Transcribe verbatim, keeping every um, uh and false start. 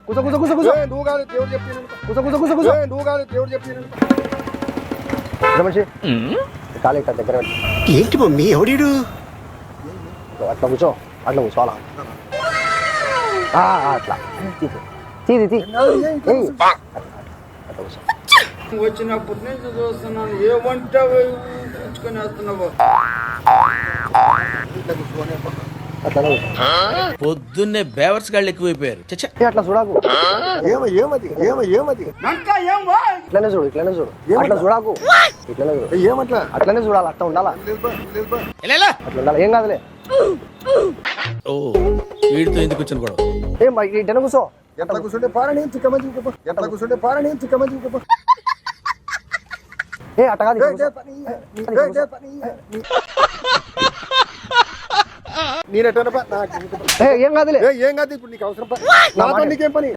కూసో కూసో కూసో కూసో నువ్వు కాదు దేవుడు చెప్పి కూసో కూసో కూసో కూసో నువ్వు కాదు దేవుడు చెప్పి మనిషి కాలు ఇక్కడ దగ్గర పెట్టు. ఏంటి మమ్మీ ఎవడీడు? అట్లా కూర్చో అట్లా కూర్చోవాలా ఆ, ఆ, అట్లా తీసి తీది తీ ఏయ్. అట్లా కూర్చో వచ్చినప్పటి నుంచి చూస్తున్నాను ఏమంటావు పుచ్చుకొని వస్తున్నావు అట్లా కూర్చో పొద్దున్నే బేవర్స్ గాళ్ళు ఎక్కువైపోయారు చచ్చా ఏ, అట్లా చూడాకు ఏమ ఏమది ఏమ ఏమది ఇంకా ఏం వా ఇట్లనే చూడు ఇట్లనే చూడు అట్లా చూడాకు ఇట్లనే చూడు ఏమట్లా అట్లనే చూడాలి అట్లా ఉండాలా అట్లా ఉండాలి ఏం కాదులే ఓ వీడితో ఎందుకు వచ్చిన గొడవ ఏం ఇట్లనే కూర్చో ఎట్లా కూర్చుంటే పారని చిక్కమంది ఇంకో ఎట్లా కూర్చుంటే పారని చిక్కమంది ఇంకో ఏ అట్ట కాదు ఇట్లా కూర్చో. నేనెట్లా ఏ, ఏం కాదులే ఏం కాదు ఇప్పుడు నీకు అవసరం ప- నాతో నీకేం పని